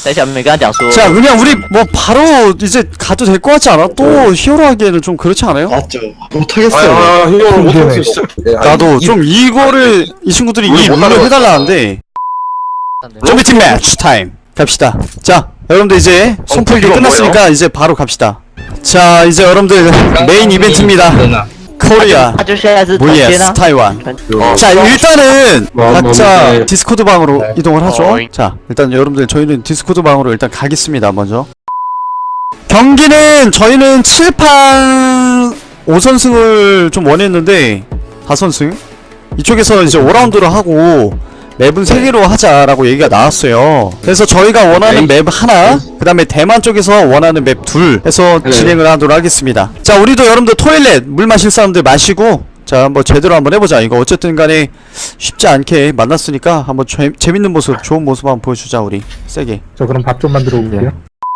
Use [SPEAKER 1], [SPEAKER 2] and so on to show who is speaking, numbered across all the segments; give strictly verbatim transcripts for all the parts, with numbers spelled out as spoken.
[SPEAKER 1] 在下面跟他讲说
[SPEAKER 2] 자 그냥 우리 뭐 바로 이제 가도 될 것 같지 않아? 또 히어로 하기에는 좀 그렇지 않아요?
[SPEAKER 3] 맞죠. 못하겠어요.
[SPEAKER 4] 아, 이거 못하겠어 진짜.
[SPEAKER 2] 나도 좀 이거를 이 친구들이 이 룰을 해달라는데 좀비팀 매치 타임 갑시다. 자 여러분들 이제 손풀기 끝났으니까 이제 바로 갑시다. 자 이제 여러분들 메인 이벤트입니다. 코리아
[SPEAKER 1] 他就现在是团签
[SPEAKER 2] vs
[SPEAKER 1] 啊，
[SPEAKER 2] 타이완.
[SPEAKER 4] 哦
[SPEAKER 2] 자 일단은
[SPEAKER 4] 뭐,
[SPEAKER 2] 각자
[SPEAKER 4] 뭐,
[SPEAKER 2] 디스코드 방으로
[SPEAKER 4] 네.
[SPEAKER 2] 이동을 하죠.
[SPEAKER 1] 어이.
[SPEAKER 2] 자 일단 여러분들 저희는 디스코드 방으로 일단 가겠습니다. 먼저 경기는 저희는 칠판 오 선승을 좀 원했는데 사 선승 이쪽에서 이제 오 라운드로 하고 맵은 세 개로 하자라고 얘기가 나왔어요. 그래서 저희가 원하는 맵 하나, 그 다음에 대만 쪽에서 원하는 맵 둘 해서
[SPEAKER 4] 네.
[SPEAKER 2] 진행을 하도록 하겠습니다. 자 우리도 여러분들 토일렛 물 마실 사람들 마시고 자 한번 제대로 한번 해보자. 이거 어쨌든 간에 쉽지 않게 만났으니까 한번 재, 재밌는 모습, 좋은 모습 한번 보여주자. 우리 세게
[SPEAKER 5] 저 그럼 밥 좀 만들어 올게요.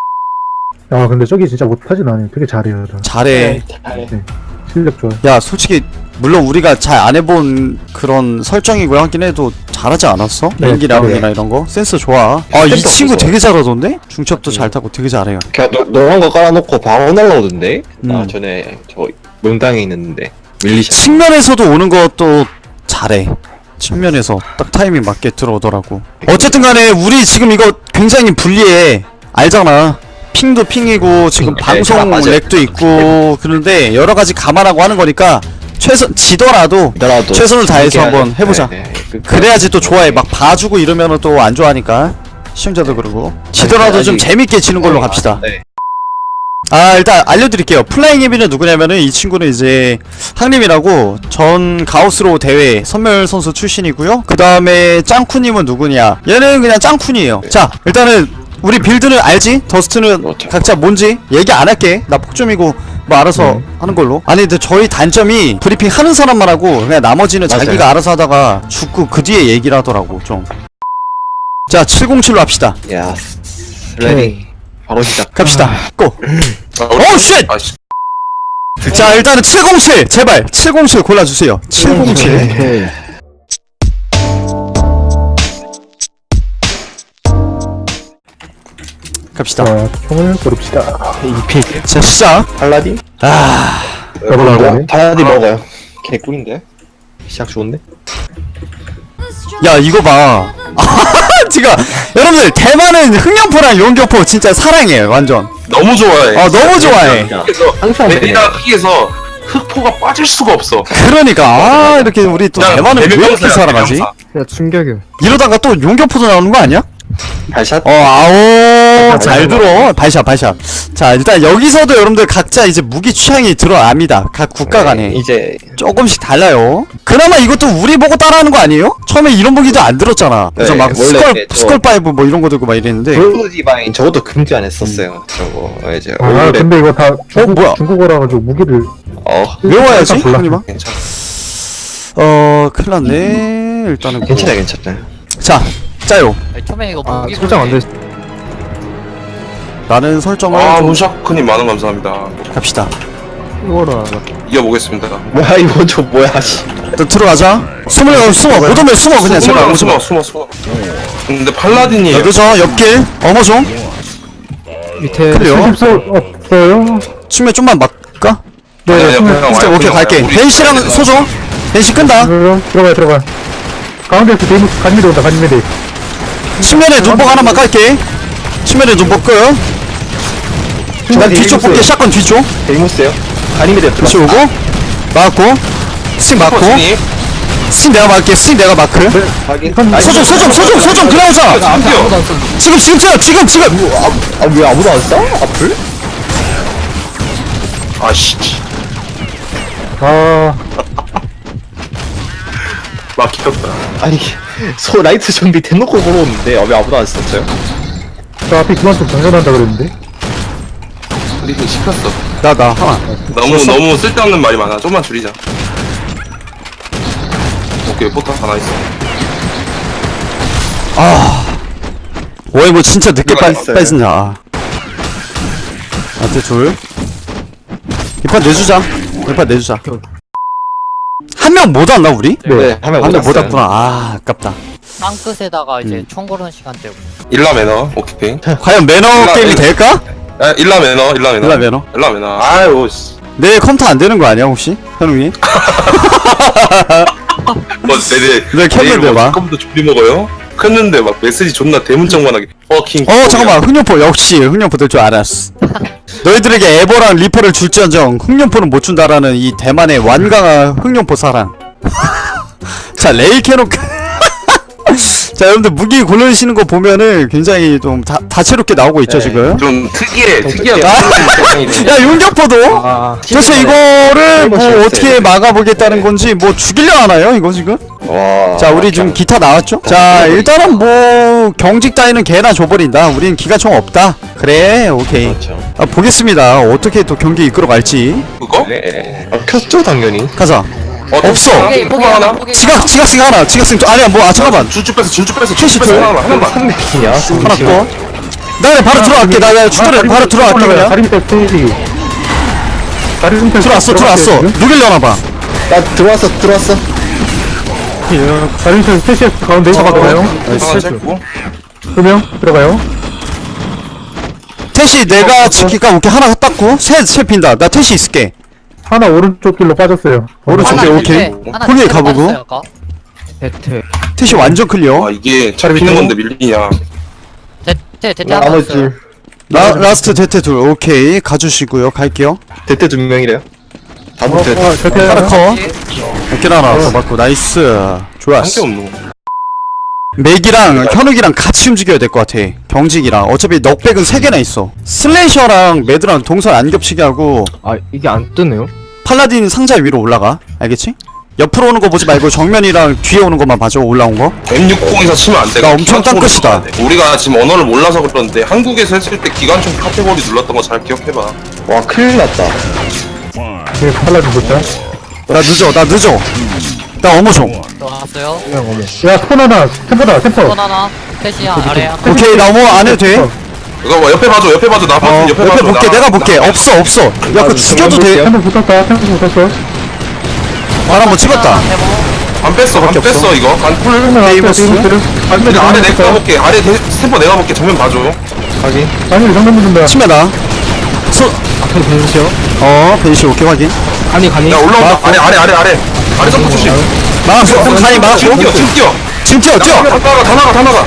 [SPEAKER 5] 야 근데 저기 진짜 못하진 않아요. 되게 잘해요. 저.
[SPEAKER 2] 잘해.
[SPEAKER 5] 실력 좋아요.
[SPEAKER 2] 야 솔직히 물론 우리가 잘 안 해본 그런 설정이고 하긴 해도 잘하지 않았어?
[SPEAKER 5] 네,
[SPEAKER 2] 연기 나오기나
[SPEAKER 3] 네.
[SPEAKER 2] 이런 거 센스 좋아. 아 이
[SPEAKER 3] 센스
[SPEAKER 2] 친구
[SPEAKER 3] 없어서.
[SPEAKER 2] 되게 잘하던데? 중첩도 잘 타고 되게 잘해요.
[SPEAKER 3] 그냥 노, 노란 거 깔아놓고 방어 날라오던데? 나
[SPEAKER 2] 음.
[SPEAKER 3] 전에 저 명당에 있는데 밀리샷.
[SPEAKER 2] 측면에서도 오는 것도 잘해. 측면에서 딱 타이밍 맞게 들어오더라고. 어쨌든 간에 우리 지금 이거 굉장히 불리해. 알잖아. 핑도 핑이고 지금
[SPEAKER 3] 네,
[SPEAKER 2] 방송
[SPEAKER 3] 다 맞아요.
[SPEAKER 2] 렉도 있고 그런데 여러 가지 감안하고 하는 거니까 최선 지더라도
[SPEAKER 3] 나라도
[SPEAKER 2] 최선을 다해서 한번 해보자.
[SPEAKER 3] 네, 네. 그-
[SPEAKER 2] 그래야지 또 좋아해. 막 봐주고 이러면은 또 안 좋아하니까 시청자도 그러고 지더라도 좀
[SPEAKER 3] 아직-
[SPEAKER 2] 재밌게 지는 걸로 갑시다.
[SPEAKER 3] 네.
[SPEAKER 2] 아 일단 알려드릴게요. 플라잉 헤비는 누구냐면은 이 친구는 이제 항림이라고 전 가우스로 대회 선멸 선수 출신이고요. 그 다음에 짱쿠님은 누구냐? 얘는 그냥 짱쿤이에요. 자 일단은 우리 빌드는 알지? 더스트는
[SPEAKER 3] 그렇죠.
[SPEAKER 2] 각자 뭔지 얘기 안 할게. 나 폭점이고 뭐 알아서
[SPEAKER 5] 네.
[SPEAKER 2] 하는 걸로. 아니 근데 저희 단점이 브리핑 하는 사람만 하고 그냥 나머지는
[SPEAKER 3] 맞아요.
[SPEAKER 2] 자기가 알아서 하다가 죽고 그 뒤에 얘기를 하더라고 좀. 자 칠공칠로 합시다.
[SPEAKER 3] 야, 레디. 바로 시작.
[SPEAKER 2] 갑시다. 고.
[SPEAKER 4] 아,
[SPEAKER 2] 오 쉣!
[SPEAKER 4] 아, 씨.
[SPEAKER 2] 자 일단은 칠공칠 제발 칠공칠 골라주세요. 칠공칠. 갑시다.
[SPEAKER 5] 자 총을 고릅시다.
[SPEAKER 2] 자 시작.
[SPEAKER 3] 팔라딘?
[SPEAKER 2] 아
[SPEAKER 5] 여보라고.
[SPEAKER 3] 팔라딘 먹어요. 개꿀인데? 시작 좋은데?
[SPEAKER 2] 야 이거 봐. 지금 여러분들 대만은 흥룡포랑 용교포 진짜 사랑해 완전.
[SPEAKER 4] 너무 좋아해.
[SPEAKER 2] 아 너무 좋아해.
[SPEAKER 4] 그래서
[SPEAKER 3] 항상
[SPEAKER 4] 내가 크기에서 흑포가 빠질 수가 없어.
[SPEAKER 2] 그러니까 아 이렇게 우리 또
[SPEAKER 4] 그냥
[SPEAKER 2] 대만은 왜 이렇게
[SPEAKER 4] 대명사야,
[SPEAKER 2] 사랑하지?
[SPEAKER 4] 대명사.
[SPEAKER 5] 야 충격이야.
[SPEAKER 2] 이러다가 또 용교포도 나오는 거 아니야?
[SPEAKER 3] 발샷?
[SPEAKER 2] 어 아오 잘 들어. 발샷 발샷. 자 일단 여기서도 여러분들 각자 이제 무기 취향이 들어압니다. 각 국가 간에
[SPEAKER 3] 네, 이제
[SPEAKER 2] 조금씩 달라요. 그나마 이것도 우리 보고 따라하는 거 아니에요? 처음에 이런 무기도 안 들었잖아. 그래서
[SPEAKER 3] 네,
[SPEAKER 2] 막
[SPEAKER 3] 원래
[SPEAKER 2] 스컬
[SPEAKER 3] 저-
[SPEAKER 2] 스컬 파이브 뭐 이런 거 들고 막 이랬는데.
[SPEAKER 3] 블루 디바인 저것도 금지 안 했었어요. 저거 어, 이제
[SPEAKER 5] 아
[SPEAKER 3] 얼굴에
[SPEAKER 5] 근데 이거 다 중국,
[SPEAKER 2] 뭐야?
[SPEAKER 5] 중국어라 가지고 무기를
[SPEAKER 3] 어
[SPEAKER 2] 외워야지.
[SPEAKER 5] 일단 골라.
[SPEAKER 2] 형님아.
[SPEAKER 3] 괜찮아
[SPEAKER 2] 어 큰일났네. 일단은
[SPEAKER 3] 괜찮아 괜찮아.
[SPEAKER 2] 자 짜요.
[SPEAKER 1] 처음에 이거
[SPEAKER 5] 아
[SPEAKER 1] 무기
[SPEAKER 5] 설정 안 돼.
[SPEAKER 2] 나는 설정을
[SPEAKER 4] 아,
[SPEAKER 2] 좀
[SPEAKER 4] 문샤크님 많은 감사합니다.
[SPEAKER 2] 갑시다.
[SPEAKER 5] 이거라.
[SPEAKER 4] 이겨보겠습니다.
[SPEAKER 3] 뭐야 이거 저 뭐야 씨.
[SPEAKER 2] 일단 들어가자. 숨을 어, 숨어 못 오면 숨어 그냥 제발
[SPEAKER 4] 숨어,
[SPEAKER 2] 오지 마.
[SPEAKER 4] 숨어, 숨어, 숨어. 근데 팔라딘이
[SPEAKER 2] 여기서 옆길 어머종
[SPEAKER 5] 밑에
[SPEAKER 2] 클리어.
[SPEAKER 5] 수집소 없어요?
[SPEAKER 2] 춤에 좀만 막까?
[SPEAKER 5] 네.
[SPEAKER 4] 아니, 아니, 그냥
[SPEAKER 2] 오케이
[SPEAKER 4] 와요,
[SPEAKER 2] 오케이
[SPEAKER 4] 그냥
[SPEAKER 2] 갈게.
[SPEAKER 4] 와요. 우리
[SPEAKER 2] 벤시랑
[SPEAKER 4] 그냥
[SPEAKER 2] 소종. 벤시 끈다.
[SPEAKER 5] 들어가 들어가 들어가. 가운데서 데이무 간미대 온다 간미대.
[SPEAKER 2] 측면에 눈복 하나만 깔게. 측면에 눈복 끌. 난 뒤쪽 볼게. 샷건 뒤쪽.
[SPEAKER 3] 데이모스요? 아니면
[SPEAKER 2] 다시 오고 막고 스틱 막고
[SPEAKER 4] 코치님.
[SPEAKER 2] 스틱 내가 막게. 스틱 내가 마크.
[SPEAKER 3] 확인.
[SPEAKER 2] 소종 소종 소종 소종 그나오자.
[SPEAKER 4] 심지어
[SPEAKER 2] 지금 지금 뛰어 지금 지금.
[SPEAKER 3] 아왜 아무도 안 써? 앞을?
[SPEAKER 4] 아씨
[SPEAKER 5] 아
[SPEAKER 4] 막혔다.
[SPEAKER 3] 아니 소 라이트 좀비 대놓고 걸어오는데 아, 왜 아무도 안 썼어요?
[SPEAKER 5] 저 앞에 그만 좀 장전한다 그랬는데.
[SPEAKER 4] 우리는 시켰어.
[SPEAKER 2] 나 나 하나.
[SPEAKER 4] 너무 너무 쓸데없는 말이 많아. 좀만 줄이자. 오케이 포탑 하나 있어.
[SPEAKER 2] 아. 오이 뭐 진짜 늦게
[SPEAKER 4] 이거
[SPEAKER 2] 빠,
[SPEAKER 3] 있어요.
[SPEAKER 2] 빠진다. 아. 나한테 둘. 이 판 내주자. 이 판 내주자. 한 명 못 왔나 우리?
[SPEAKER 3] 네, 하면
[SPEAKER 2] 한 명 못
[SPEAKER 3] 왔어요.
[SPEAKER 2] 왔구나. 아 아깝다.
[SPEAKER 1] 땅끝에다가 이제
[SPEAKER 2] 음.
[SPEAKER 1] 총 고르는 시간대고.
[SPEAKER 4] 일라 매너 오케이.
[SPEAKER 2] 과연 매너
[SPEAKER 4] 일라-
[SPEAKER 2] 게임이
[SPEAKER 4] 일라-
[SPEAKER 2] 될까?
[SPEAKER 4] 아, 일라 매너 일라 매너
[SPEAKER 2] 일라 매너?
[SPEAKER 4] 일라 매너. 아유 씨.
[SPEAKER 2] 내 컴퓨터 안 되는 거 아니야 혹시? 현웅이?
[SPEAKER 4] 뭐 내내
[SPEAKER 2] 내 켰는데 막.
[SPEAKER 4] 컴퓨터 준비 먹어요? 켰는데 막 메시지 존나 대문짝만하게. 어킹.
[SPEAKER 2] 어 잠깐만 흑룡포 역시 흑룡포 될 줄 알았어. 너희들에게 에버랑 리퍼를 줄지언정 흑룡포는 못 준다라는 이 대만의 완강한 흑룡포 사랑. 자 레일 캐논. 자 여러분들 무기 고르시는 거 보면은 굉장히 좀 다, 다채롭게 나오고 있죠
[SPEAKER 3] 네.
[SPEAKER 2] 지금.
[SPEAKER 4] 좀 특이해 특이한.
[SPEAKER 2] 아, 야 용격포도.
[SPEAKER 3] 아,
[SPEAKER 2] 도대체 이거를 뭐
[SPEAKER 3] 재밌어요,
[SPEAKER 2] 어떻게
[SPEAKER 3] 이거.
[SPEAKER 2] 막아보겠다는 건지 뭐 죽이려 하나요 이거 지금?
[SPEAKER 3] 와.
[SPEAKER 2] 자 우리 지금 기타 나왔죠? 자 일단은 뭐 경직 따위는 개나 줘버린다. 우린 기관총 없다. 그래 오케이.
[SPEAKER 3] 그렇죠.
[SPEAKER 2] 아, 보겠습니다. 어떻게 또 경기 이끌어갈지.
[SPEAKER 4] 그거?
[SPEAKER 3] 네. 아, 켰죠 당연히.
[SPEAKER 2] 가자.
[SPEAKER 4] 어,
[SPEAKER 2] 없어.
[SPEAKER 1] 포기 포기 하나 포기.
[SPEAKER 2] 지각 지각생 하나. 지각생 또 아니야 뭐 아 잠깐만.
[SPEAKER 4] 줄줄 뺐어 줄줄 뺐어
[SPEAKER 2] 캐시
[SPEAKER 4] 줄줄 뺐어
[SPEAKER 2] 줘요?
[SPEAKER 4] 하나만 하나만.
[SPEAKER 3] 삼백이냐?
[SPEAKER 2] 하나 또. 나 그냥 바로 들어갈게. 나 그냥 주도래 바로 들어갈게 그냥.
[SPEAKER 5] 다리 밑에 스테이지. 다리 밑에
[SPEAKER 2] 들어왔어 들어왔어. 누길려나 봐.
[SPEAKER 3] 나 들어왔어 들어왔어.
[SPEAKER 5] 다리 밑에 스테이지 가운데 들어가요.
[SPEAKER 4] 하나 쳤고.
[SPEAKER 5] 두명 들어가요.
[SPEAKER 2] 태시 내가 지킬까 오케이 하나 땄고 셋셋 핀다. 나 태시 있을게.
[SPEAKER 5] 하나 오른쪽 길로 빠졌어요.
[SPEAKER 2] 오른쪽
[SPEAKER 1] 하나
[SPEAKER 2] 길 오케이.
[SPEAKER 1] 밑에, 하나
[SPEAKER 2] 거기에
[SPEAKER 1] 밑에로
[SPEAKER 2] 가보고.
[SPEAKER 1] 빠졌어요, 아까.
[SPEAKER 2] 태시 완전 클리어.
[SPEAKER 4] 아 이게 차를 비는 건데 밀리냐.
[SPEAKER 1] 대퇴 대퇴 하나
[SPEAKER 3] 나머지
[SPEAKER 1] 있어요.
[SPEAKER 3] 둘.
[SPEAKER 2] 라 라스트 대퇴 둘 오케이 가주시고요. 갈게요.
[SPEAKER 3] 대대 두 명이래요. 다
[SPEAKER 5] 어,
[SPEAKER 3] 못해.
[SPEAKER 5] 어, 저렇게
[SPEAKER 2] 하나 커.
[SPEAKER 1] 예.
[SPEAKER 2] 어깨 하나 더 맞고 나이스.
[SPEAKER 4] 한 게
[SPEAKER 2] 좋았어.
[SPEAKER 4] 없노.
[SPEAKER 2] 맥이랑 현욱이랑 같이 움직여야 될 것 같아. 경직이랑 어차피 넉백은 세 개나 있어. 슬래셔랑 매드랑 동선 안 겹치게 하고
[SPEAKER 6] 아 이게 안 뜨네요?
[SPEAKER 2] 팔라딘 상자 위로 올라가. 알겠지? 옆으로 오는 거 보지 말고 정면이랑 뒤에 오는 것만 봐줘. 올라온 거.
[SPEAKER 4] 엠 육십에서 치면 안 돼.
[SPEAKER 2] 나 엄청
[SPEAKER 4] 기관총으로
[SPEAKER 2] 땅끝이다.
[SPEAKER 4] 들어가야 돼. 우리가 지금 언어를 몰라서 그러는데 한국에서 했을 때 기관총 카테고리 눌렀던 거 잘 기억해봐.
[SPEAKER 3] 와 큰일 났다.
[SPEAKER 5] 네, 팔라딘 보자.
[SPEAKER 2] 나 늦어. 나 늦어. 나 어머 좀.
[SPEAKER 1] 들어갔어요.
[SPEAKER 5] 야, 스폰 하나, 템포다, 템포.
[SPEAKER 1] 번 하나. 태시 아래 한.
[SPEAKER 2] 오케이 나 어머 안 해도 돼.
[SPEAKER 4] 이거 뭐 옆에 봐줘 옆에 봐줘 나
[SPEAKER 2] 어
[SPEAKER 4] 봐줘
[SPEAKER 2] 옆에
[SPEAKER 4] 옆에 봐줘.
[SPEAKER 2] 볼게.
[SPEAKER 4] 나-
[SPEAKER 2] 내가 볼게.
[SPEAKER 4] 나-
[SPEAKER 2] 없어 없어. 야 그거 죽여도 돼.
[SPEAKER 5] 템포 붙었다, 템포 붙었어.
[SPEAKER 2] 발 한번 찍었다.
[SPEAKER 1] 대모.
[SPEAKER 4] 안 뺐어 안
[SPEAKER 2] 밖에 없어.
[SPEAKER 4] 뺐어 이거 간풀.
[SPEAKER 2] 데이버스?
[SPEAKER 4] 아니 아래 내가 볼게 아래 대- 스탬퍼 내가 볼게 정면 봐줘.
[SPEAKER 3] 확인.
[SPEAKER 5] 아니, 정면 붙는다.
[SPEAKER 2] 치매다. 소.
[SPEAKER 6] 앞에 보이시죠?
[SPEAKER 2] 어 벤시 오케이 확인.
[SPEAKER 6] 간이 간이
[SPEAKER 4] 야 올라온다 아래 아래 아래 아래 아래 점프 조심.
[SPEAKER 2] 막았어. 그럼 간이 막았고.
[SPEAKER 4] 지금 뛰어 지금 뛰어.
[SPEAKER 2] 지금 뛰어 뛰어.
[SPEAKER 4] 다 나가 다 나가 다 나가.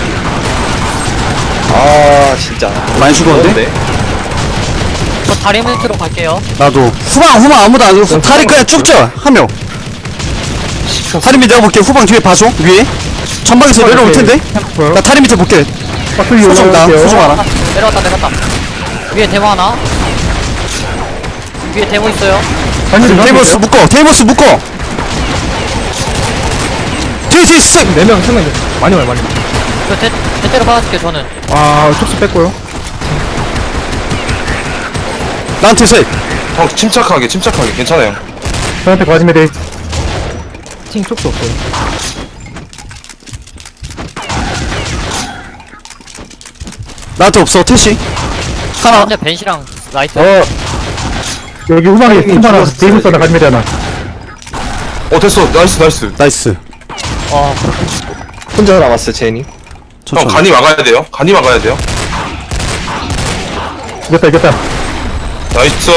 [SPEAKER 3] 아 진짜.
[SPEAKER 2] 많이 죽었는데?
[SPEAKER 1] 저 다리 밑으로 갈게요.
[SPEAKER 2] 나도 후방 후방 아무도 안 줬어. 다리 그냥 쭉 쪄. 한 명. 다리 밑에 내가 볼게. 후방 뒤에 봐줘. 위에. 전방에서 내려올 텐데. 나 다리 밑에 볼게.
[SPEAKER 5] 박수 위에
[SPEAKER 2] 소중 나
[SPEAKER 5] 올라갈게요.
[SPEAKER 2] 소중 하나.
[SPEAKER 1] 아, 내려왔다 내려왔다. 위에 대모 하나. 위에 대모 있어요.
[SPEAKER 5] 아니,
[SPEAKER 2] 테이버스 묶어. 테이버스 묶어. 뒤에 뒤에 쓱.
[SPEAKER 6] 네명 세명 많이 많이 많이
[SPEAKER 1] 저 대, 대대로 받아줄게요 저는.
[SPEAKER 6] 아 촉수 뺐고요
[SPEAKER 2] 나한테 셋.
[SPEAKER 4] 형 침착하게 침착하게 괜찮아요.
[SPEAKER 5] 저한테 가지면 돼.
[SPEAKER 6] 팀 촉수 없어요
[SPEAKER 2] 나한테 없어. 태시. 하나.
[SPEAKER 1] 근데 벤시랑 라이트.
[SPEAKER 5] 어. 여기 후방에 템포 하나, 데이비스 하나 가지면 되나.
[SPEAKER 4] 어 됐어 나이스 나이스.
[SPEAKER 2] 나이스.
[SPEAKER 1] 어.
[SPEAKER 3] 혼자 남았어 제니.
[SPEAKER 4] 형
[SPEAKER 2] 천천히.
[SPEAKER 4] 간이 막아야 돼요. 간이 막아야 돼요.
[SPEAKER 5] 이겼다, 이겼다.
[SPEAKER 4] 나이스.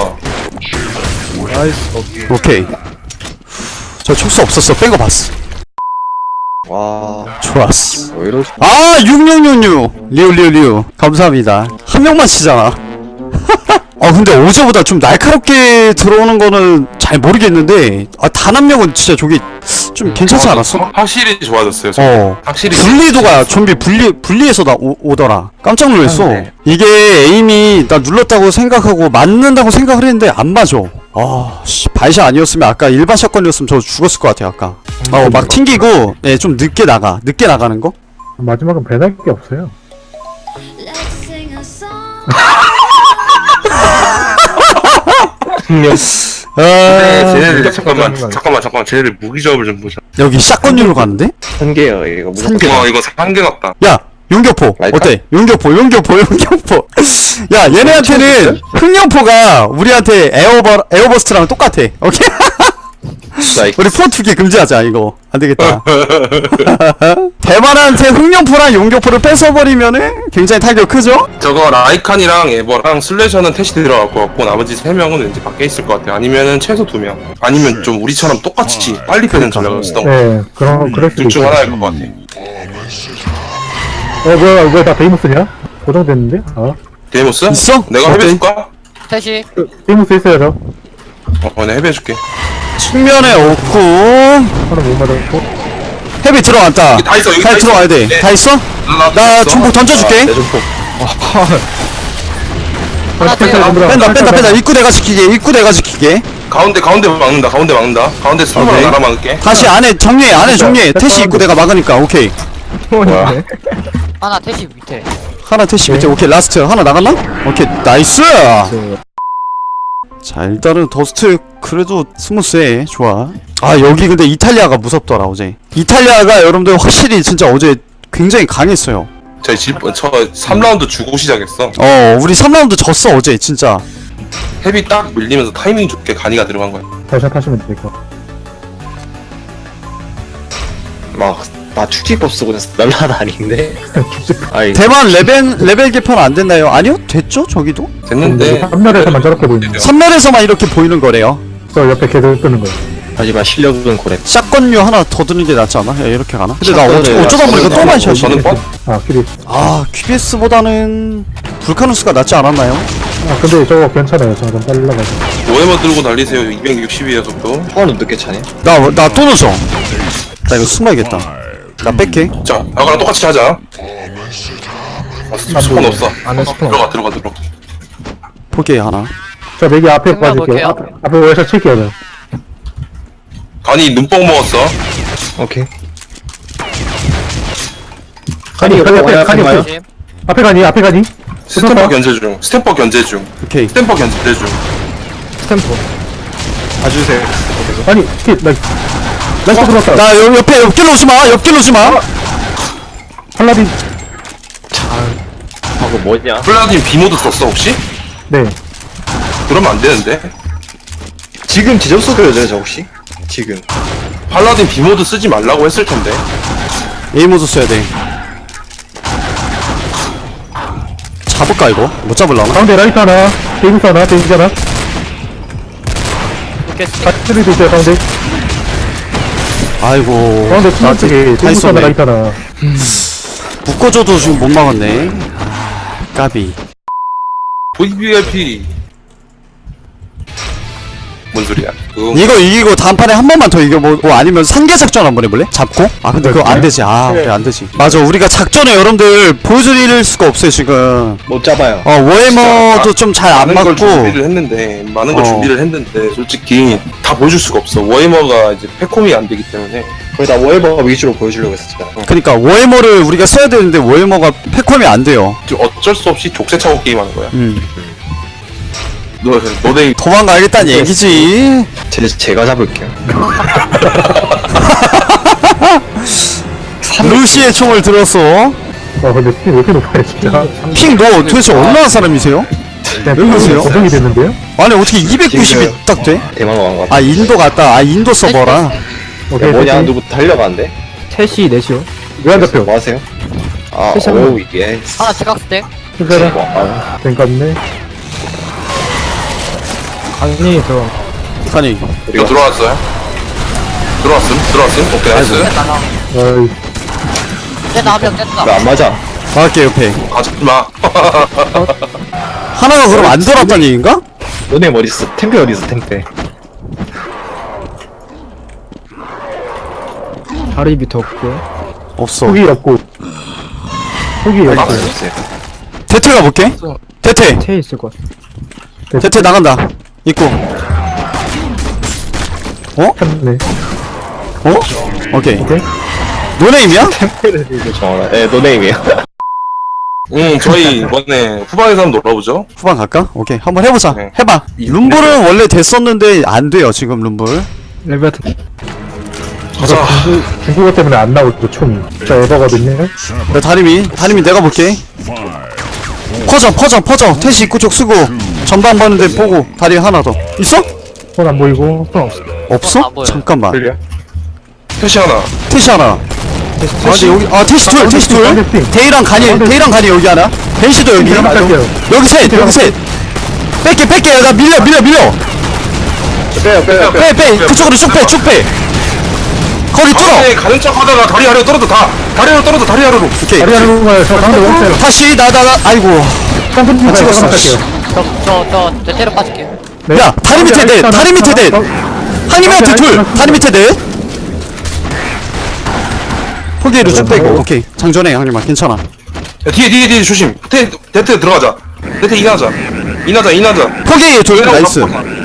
[SPEAKER 6] 나이스
[SPEAKER 2] 오케이. 저 촉수 없었어. 뺀 거 봤어.
[SPEAKER 3] 와.
[SPEAKER 2] 좋았어.
[SPEAKER 3] 왜 이러지?
[SPEAKER 2] 아 육육육육 리우 리우 리우 감사합니다. 한 명만 치잖아. 아 근데 어제보다 좀 날카롭게 들어오는 거는 잘 모르겠는데 아 단 한 명은 진짜 저기 좀 괜찮지 않았어?
[SPEAKER 4] 확실히 좋아졌어요.
[SPEAKER 2] 어
[SPEAKER 4] 확실히.
[SPEAKER 2] 분리도가 좀비 분리 분리해서 나 오, 오더라. 깜짝 놀랐어.
[SPEAKER 4] 네.
[SPEAKER 2] 이게 에임이 나 눌렀다고 생각하고 맞는다고 생각을 했는데 안 맞아. 아씨 발샷 아니었으면 아까 일반 샷건이었으면 저 죽었을 것 같아 아까. 어 막 튕기고 예 좀 늦게 나가 늦게 나가는 거.
[SPEAKER 5] 마지막은 배달 게 없어요.
[SPEAKER 7] Let's sing a song.
[SPEAKER 3] 분명.
[SPEAKER 2] 아
[SPEAKER 4] 네, 쟤네들
[SPEAKER 3] 아,
[SPEAKER 4] 잠깐만
[SPEAKER 3] 잠깐만.
[SPEAKER 4] 잠깐만 잠깐만 쟤네들 무기 조합을 좀 보자.
[SPEAKER 2] 여기 샷건류로 가는데?
[SPEAKER 3] 한 개요 이거. 무조건.
[SPEAKER 2] 한 개.
[SPEAKER 4] 와 이거 한개 같다.
[SPEAKER 2] 야 용교포
[SPEAKER 3] 라이터?
[SPEAKER 2] 어때? 용교포 용교포 용교포 야 얘네한테는 흑룡포가 우리한테 에어버 에어버스트랑 똑같아 오케이?
[SPEAKER 3] 라이크.
[SPEAKER 2] 우리 포 두 개 금지하자 이거 안되겠다. 대만한테 흑룡포랑 용격포를 뺏어버리면은 굉장히 타격 크죠?
[SPEAKER 4] 저거 라이칸이랑 에버랑 슬래셔는 태시 들어갈 것 같고 나머지 세 명은 왠지 밖에 있을 것 같아요. 아니면은 최소 두 명. 아니면 좀 우리처럼 똑같이 빨리 빼는 전략을 쓰던 거.
[SPEAKER 5] 네, 그런, 그럴 수도
[SPEAKER 4] 둘 중
[SPEAKER 5] 있어요.
[SPEAKER 4] 하나일 것 같아.
[SPEAKER 5] 어, 뭐야, 뭐야, 다 베이모스냐? 고정됐는데? 아,
[SPEAKER 4] 데이모스?
[SPEAKER 2] 있어?
[SPEAKER 4] 내가
[SPEAKER 2] 어때?
[SPEAKER 4] 해배줄까?
[SPEAKER 1] 셋이.
[SPEAKER 5] 베이모스 있어요, 저.
[SPEAKER 4] 어, 내가 해배줄게.
[SPEAKER 2] 측면에 없고
[SPEAKER 5] 하나 못 맞았고.
[SPEAKER 2] 헤비 들어왔다.
[SPEAKER 4] 여기 다 있어, 여기
[SPEAKER 2] 잘
[SPEAKER 4] 다
[SPEAKER 2] 들어와야
[SPEAKER 4] 있어.
[SPEAKER 2] 돼.
[SPEAKER 4] 네.
[SPEAKER 2] 다 있어?
[SPEAKER 4] 나,
[SPEAKER 2] 나 중폭 던져줄게.
[SPEAKER 3] 내 중폭.
[SPEAKER 1] 하나
[SPEAKER 5] 펜타
[SPEAKER 1] 떼요.
[SPEAKER 5] 던져라.
[SPEAKER 2] 뺀다 뺀다 뺀다. 입구 내가 지키게. 입구 내가 지키게.
[SPEAKER 4] 가운데 가운데 막는다. 가운데 막는다. 가운데 스톱을
[SPEAKER 2] 오케이.
[SPEAKER 4] 나라 막을게.
[SPEAKER 2] 다시 안에 정리해. 안에 정리해. 태시 입구 내가 막으니까 오케이.
[SPEAKER 6] 뭐야?
[SPEAKER 1] 하나 태시 밑에.
[SPEAKER 2] 하나 태시 밑에 오케이 라스트 하나 나갔나? 오케이 나이스. 자 일단은 더스트 그래도 스무스해. 좋아. 아 여기 근데 이탈리아가 무섭더라 어제. 이탈리아가 여러분들 확실히 진짜 어제 굉장히 강했어요.
[SPEAKER 4] 저희 집, 저 삼 라운드 주고 시작했어.
[SPEAKER 2] 어 우리 삼 라운드 졌어 어제 진짜.
[SPEAKER 4] 헤비 딱 밀리면서 타이밍 좋게 간이가 들어간 거야.
[SPEAKER 5] 다시 타시면 될 것.
[SPEAKER 3] 막, 나 축지법 쓰고 있어. 날라다니는데? 아이,
[SPEAKER 2] 대만 레벨 레벨 개편 안 됐나요? 아니요 됐죠 저기도.
[SPEAKER 4] 됐는데.
[SPEAKER 5] 삼날에서만 저렇게 보이는
[SPEAKER 2] 삼 랄에서만 이렇게 보이는 거래요.
[SPEAKER 5] 저 옆에 걔들 뜨는 거예요.
[SPEAKER 3] 하지만 실력은 고래.
[SPEAKER 2] 샷건류 하나 더 드는 게 낫지 않아? 야 이렇게 가나? 근데 나 어쩌,
[SPEAKER 3] 샷건을
[SPEAKER 2] 어쩌다 보니까 또 반샷이네.
[SPEAKER 4] 저는 뻔?
[SPEAKER 5] 아, 키리.
[SPEAKER 2] 아 큐비에스보다는 불카누스가 낫지 않았나요?
[SPEAKER 5] 아, 근데 저거 괜찮아요. 저거 좀 빨라가지고.
[SPEAKER 4] 오에머 들고 달리세요. 이백육십이에요 속도.
[SPEAKER 3] 포화는 늦게 차네?
[SPEAKER 2] 나 나 또 넣었어. 나 이거 숨어야겠다. 나 뺄게.
[SPEAKER 4] 자, 아까랑 똑같이 하자. 아, 스- 스폰 없어.
[SPEAKER 6] 안에 스폰
[SPEAKER 4] 들어가, 들어가, 들어가.
[SPEAKER 2] 포기해 하나.
[SPEAKER 5] 저 맥이 앞에
[SPEAKER 1] 생각
[SPEAKER 5] 빠질게요.
[SPEAKER 1] 볼게요.
[SPEAKER 5] 앞에, 앞에 월샷 칠게요, 저.
[SPEAKER 4] 간이 눈뽕 먹었어.
[SPEAKER 3] 오케이.
[SPEAKER 5] 가니, 가니, 앞에, 가니,
[SPEAKER 3] 와요?
[SPEAKER 5] 앞에, 앞에 가니, 앞에 가니?
[SPEAKER 4] 스탬퍼 견제 중. 스탬퍼 견제 중.
[SPEAKER 2] 오케이.
[SPEAKER 4] 스탬퍼 견제 중.
[SPEAKER 6] 스탬프.
[SPEAKER 3] 봐주세요.
[SPEAKER 5] 아니, 키, 나, 나이스 들어왔다.
[SPEAKER 2] 나 여, 옆에 옆길로 오지 마. 옆길로 오지 마.
[SPEAKER 5] 팔라딘.
[SPEAKER 3] 하고 뭐냐?
[SPEAKER 4] 플라딘 비모드 썼어 혹시?
[SPEAKER 5] 네.
[SPEAKER 4] 그러면 안 되는데.
[SPEAKER 3] 지금 지점수 그려져요, 저 혹시? 지금.
[SPEAKER 4] 팔라딘 비모드 쓰지 말라고 했을 텐데.
[SPEAKER 2] A 모드 써야 돼. 잡을까 이거? 못 잡을라나?
[SPEAKER 5] 가운데 라이트 하나, 데이비스 하나, 데이비스 하나.
[SPEAKER 1] 이렇게 스틱.
[SPEAKER 5] 바트리도 있어요, 가운데.
[SPEAKER 2] 아이고.
[SPEAKER 5] 가운데 투만 쪽에 데이비스
[SPEAKER 2] 있었네.
[SPEAKER 5] 하나, 라이트 하나.
[SPEAKER 2] 묶어줘도 지금 못 막았네. 까비.
[SPEAKER 4] 브이브이아이피. 뭔 소리야? 그거
[SPEAKER 2] 이거 이기고 다음판에 한 번만 더 이겨보고 아니면 상계 작전 한번 해볼래? 잡고? 아 근데 그거 안 되지. 아 그래 안 되지. 맞아 우리가 작전에 여러분들 보여드릴 수가 없어요 지금.
[SPEAKER 3] 못 잡아요.
[SPEAKER 2] 어 워해머도 좀 잘 안
[SPEAKER 4] 많은 걸
[SPEAKER 2] 맞고.
[SPEAKER 4] 준비를 했는데 많은 걸
[SPEAKER 2] 어.
[SPEAKER 4] 준비를 했는데 솔직히 다 보여줄 수가 없어. 워해머가 이제 패콤이 안 되기 때문에.
[SPEAKER 3] 거의 다 워해버 위주로 보여주려고 했었잖아.
[SPEAKER 2] 그러니까 워해머를 우리가 써야 되는데 워해머가 패컴이 안 돼요.
[SPEAKER 4] 좀 어쩔 수 없이 족쇄 차고 게임하는 거야.
[SPEAKER 2] 음.
[SPEAKER 4] 너 너네
[SPEAKER 2] 도망가야겠다는 얘기지.
[SPEAKER 3] 제, 제가 잡을게요.
[SPEAKER 2] 루시의 총을 들었어.
[SPEAKER 5] 와, 근데 스피 왜 이렇게 높아요, 진짜.
[SPEAKER 2] 핑 너 도대체 얼마나 사람이세요?
[SPEAKER 5] 그냥
[SPEAKER 2] 왜 그러세요?
[SPEAKER 5] 고정이 됐는데요?
[SPEAKER 2] 아니 어떻게 이백구십이
[SPEAKER 3] 지금
[SPEAKER 2] 딱 돼?
[SPEAKER 3] 대만 왕 같아.
[SPEAKER 2] 아 인도 갔다. 아 인도 서버라.
[SPEAKER 5] 오케이,
[SPEAKER 3] 뭐냐?
[SPEAKER 5] 됐지.
[SPEAKER 3] 누구 달려가는데?
[SPEAKER 6] 셋이 넷이요.
[SPEAKER 5] 왜안 잡혀?
[SPEAKER 3] 뭐 하세요? 아,
[SPEAKER 6] 셋이 한
[SPEAKER 3] 오우, 이게.
[SPEAKER 1] 하나 지각 스택.
[SPEAKER 5] 괜찮아.
[SPEAKER 3] 아,
[SPEAKER 5] 땡겼네.
[SPEAKER 6] 간이 들어.
[SPEAKER 2] 아니
[SPEAKER 4] 이거
[SPEAKER 3] 우리가
[SPEAKER 4] 들어왔어요? 들어왔음? 들어왔음? 오케이 나이스.
[SPEAKER 1] 나가.
[SPEAKER 5] 어이,
[SPEAKER 1] 됐다 한명 됐다.
[SPEAKER 3] 왜 안 맞아?
[SPEAKER 2] 막을게 옆에.
[SPEAKER 4] 가지마.
[SPEAKER 2] 하나가 그럼 안 돌았단 얘기인가?
[SPEAKER 3] 너네 어디 있어? 템페 어디 있어? 템페.
[SPEAKER 6] 다리 밑에 없고요.
[SPEAKER 2] 없어.
[SPEAKER 5] 폭이 없고. 폭이
[SPEAKER 3] 아니,
[SPEAKER 5] 없고.
[SPEAKER 3] 없어요.
[SPEAKER 2] 대퇴 가볼게. 대퇴.
[SPEAKER 6] 태 있을 것 같아.
[SPEAKER 2] 대퇴 나간다. 입고. 어?
[SPEAKER 5] 네.
[SPEAKER 2] 어? 오케이.
[SPEAKER 5] 오케이.
[SPEAKER 2] 노네임이야?
[SPEAKER 3] 템페를 들고 정하라. 예, 노네임이에요.
[SPEAKER 4] 응 저희 이번에 후방에서 한번 놀아보죠.
[SPEAKER 2] 후반 갈까? 오케이. 한번 해보자.
[SPEAKER 4] 네.
[SPEAKER 2] 해봐. 룸블은 원래 됐었는데 안 돼요 지금 룸블.
[SPEAKER 6] 레베트.
[SPEAKER 4] 가자.
[SPEAKER 5] 중국어 때문에 안 나오죠, 총이. 진짜 에버거든요.
[SPEAKER 2] 나 다리미. 다리미 내가 볼게. 퍼져 퍼져 퍼져. 태시 입구 쪽 쓰고 전방 보는데 보고 다리 하나 더. 있어?
[SPEAKER 5] 손 안 보이고.
[SPEAKER 6] 손 없어.
[SPEAKER 2] 없어?
[SPEAKER 1] 안 보여요.
[SPEAKER 2] 잠깐만.
[SPEAKER 3] 클리어.
[SPEAKER 4] 태시 하나.
[SPEAKER 2] 태시 하나. 아 근데 여기 아 태시 둘 태시 둘.
[SPEAKER 5] 반대팀.
[SPEAKER 2] 데이랑 간이 데이랑 간이 여기 하나. 벤시도 여기.
[SPEAKER 5] 제가 갈게요.
[SPEAKER 2] 여기 셋 여기 셋. 뺄게 뺄게 나 밀려 밀려 밀려.
[SPEAKER 3] 빼요 빼요 빼요.
[SPEAKER 2] 빼 빼 그쪽으로 쭉 빼 쭉 빼. 거기 뚫어.
[SPEAKER 4] 가운데 가는 척 하다가 다리 아래로 떨어져 다. 다리 아래로 떨어져 다리 아래로.
[SPEAKER 2] 오케이.
[SPEAKER 5] 다리 하는 거예요. 저 가운데 원패요.
[SPEAKER 2] 다시 나 나 나 아이고.
[SPEAKER 5] 깜빡이
[SPEAKER 2] 아, 찍었어.
[SPEAKER 5] 갈게요.
[SPEAKER 1] 저저저 대테러 빠질게요.
[SPEAKER 5] 네.
[SPEAKER 2] 야 다리 밑에 넷 다리 밑에 넷. 한이한테 둘 다리 밑에 넷. 포기로 쭉 빼고 오케이 장전해 형님아 괜찮아.
[SPEAKER 4] 야, 뒤에 뒤에 뒤에 조심. 테 데트 들어가자. 데트 인하자. 인하자 인하자.
[SPEAKER 2] 포기 둘 나이스.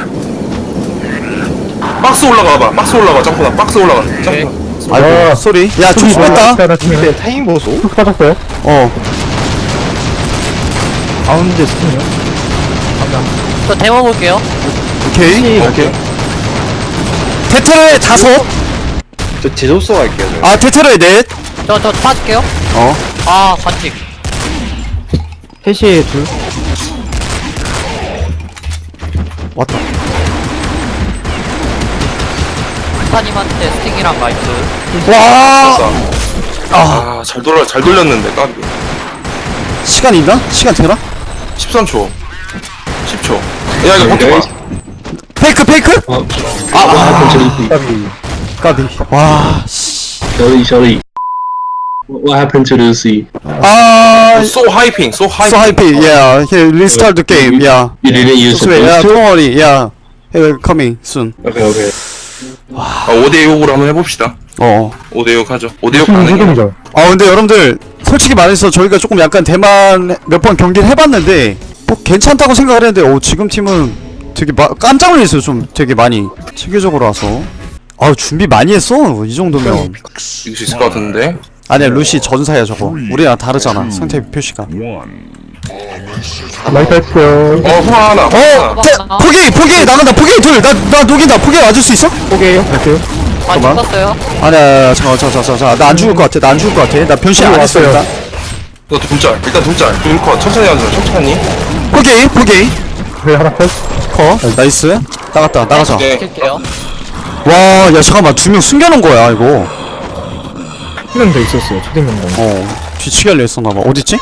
[SPEAKER 4] 박스 올라가 봐. 박스 올라가. 점프나 박스 올라가. 점프.
[SPEAKER 2] 아이고 쏘리. 야 조심했다.
[SPEAKER 5] 하나 팀에
[SPEAKER 3] 네, 타임 보소.
[SPEAKER 5] 훅 빠졌어요.
[SPEAKER 2] 어
[SPEAKER 6] 가운데 스팀이요.
[SPEAKER 1] 저 데모 볼게요.
[SPEAKER 2] 오케이.
[SPEAKER 4] 오케이.
[SPEAKER 2] 테트로에 다섯.
[SPEAKER 3] 저 제조소 갈게요. 저.
[SPEAKER 2] 아 테트로에 넷.
[SPEAKER 1] 저 저 빠질게요.
[SPEAKER 2] 어
[SPEAKER 1] 아 관직.
[SPEAKER 6] 셋이 둘.
[SPEAKER 2] 왔다.
[SPEAKER 1] 스타님한테 스팅이랑 마이크.
[SPEAKER 2] 와
[SPEAKER 4] 아, 잘 돌려 잘 돌렸는데 까비.
[SPEAKER 2] 시간 있나? 시간 되나?
[SPEAKER 4] 십삼 초. 십 초. 야 이거 버텨 봐.
[SPEAKER 2] 페이크 페이크?
[SPEAKER 5] 까비.
[SPEAKER 2] 까비. 와 씨.
[SPEAKER 8] Sorry, sorry. What happened to the sea?
[SPEAKER 2] 아
[SPEAKER 4] So hyping. So
[SPEAKER 2] so
[SPEAKER 4] hyping.
[SPEAKER 2] happy. Yeah, he restart the game. Yeah.
[SPEAKER 8] You didn't use
[SPEAKER 2] So yeah,
[SPEAKER 8] supposed to?
[SPEAKER 2] don't worry. Yeah, he will coming soon.
[SPEAKER 8] Okay, okay.
[SPEAKER 4] 아, 오 대 육으로 한번 해봅시다.
[SPEAKER 2] 어.
[SPEAKER 4] 오 대 육 하죠. 오 대 육
[SPEAKER 5] 팀
[SPEAKER 4] 가능해요.
[SPEAKER 5] 소동이죠.
[SPEAKER 2] 아 근데 여러분들 솔직히 말해서 저희가 조금 약간 대만 몇 번 경기를 해봤는데 뭐 괜찮다고 생각을 했는데 오 지금 팀은 되게 마, 깜짝 놀랐어요. 좀 되게 많이 체계적으로 와서 아 준비 많이 했어 이 정도면.
[SPEAKER 4] 이길 수 있을 것 같은데.
[SPEAKER 2] 아니야 루시 전사야 저거. 우리랑 다르잖아 상태 표시가.
[SPEAKER 5] 라이트 했어요.
[SPEAKER 4] 어 후아 하나. 후아
[SPEAKER 2] 어! 태, 포기! 포기! 나간다 포기 둘! 나, 나 녹인다 포기 와줄 수 있어?
[SPEAKER 5] 포기해요. 갈게요.
[SPEAKER 1] 아
[SPEAKER 2] 잠깐만.
[SPEAKER 1] 죽었어요.
[SPEAKER 2] 아니야 잠깐만 잠깐만 잠깐만 나 안 죽을 것 같아 나 안 죽을 것 같아 나 변신 안 했어 일단.
[SPEAKER 4] 너 둘짤. 일단 둘짤. 둘컷. 천천히 하자. 천천히.
[SPEAKER 2] 포기! 포기!
[SPEAKER 5] 네, 하나 컷.
[SPEAKER 2] 커 나이스 나갔다 나가자.
[SPEAKER 4] 네.
[SPEAKER 1] 킬게요.
[SPEAKER 2] 와야 잠깐만 두 명 숨겨놓은 거야 이거.
[SPEAKER 6] 한 명 더 있었어요. 초딩 명단.
[SPEAKER 2] 어 뒤치기 하려 했었나봐. 어딨지?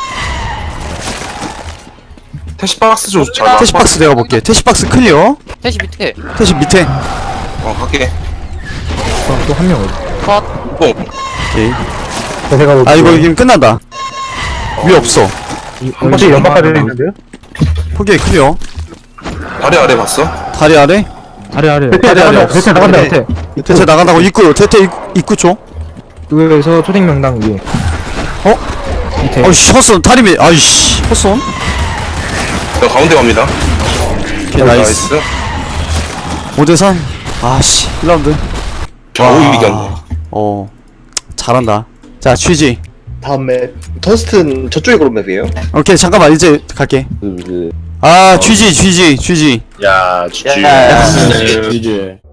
[SPEAKER 4] 태시 박스 좀 잘. 봐.
[SPEAKER 2] 태시박스 내가 볼게. 태시박스 클리어.
[SPEAKER 1] 셋이 밑에.
[SPEAKER 2] 태시 밑에.
[SPEAKER 4] 어 갈게.
[SPEAKER 6] 또 한 명 어디?
[SPEAKER 1] 컷.
[SPEAKER 4] 뽕.
[SPEAKER 2] 오케이.
[SPEAKER 5] 네, 제가
[SPEAKER 2] 아 이거 이기면 끝난다. 위 없어.
[SPEAKER 4] 한
[SPEAKER 5] 혹시
[SPEAKER 4] 번씩
[SPEAKER 5] 연막까지
[SPEAKER 4] 연막.
[SPEAKER 5] 있는데요?
[SPEAKER 2] 포기 클리어.
[SPEAKER 4] 다리 아래 봤어?
[SPEAKER 2] 다리 아래.
[SPEAKER 6] 다리 아래.
[SPEAKER 5] 대퇴
[SPEAKER 2] 아래, 아래.
[SPEAKER 5] 나간다. 대퇴 나간다.
[SPEAKER 6] 밑에.
[SPEAKER 2] 대체 나간다고 입구. 대퇴 입- 입구 쪽.
[SPEAKER 6] 그에서 초딩 명당 위에.
[SPEAKER 2] 어?
[SPEAKER 6] 밑에.
[SPEAKER 2] 어이씨 헛손 다리 밑. 아이씨 헛손.
[SPEAKER 4] 나 가운데 갑니다.
[SPEAKER 2] 오케이 나이스. 오 대 삼. 아씨 일 라운드.
[SPEAKER 4] 좌우 이겼네.
[SPEAKER 2] 어 잘한다. 자 취지.
[SPEAKER 3] 다음 맵 터스트는 저쪽에 그런 맵이에요?
[SPEAKER 2] 오케이 잠깐만 이제 갈게.
[SPEAKER 3] 그, 그.
[SPEAKER 2] 아 취지 취지 취지.
[SPEAKER 3] 야, GG.
[SPEAKER 8] Yeah.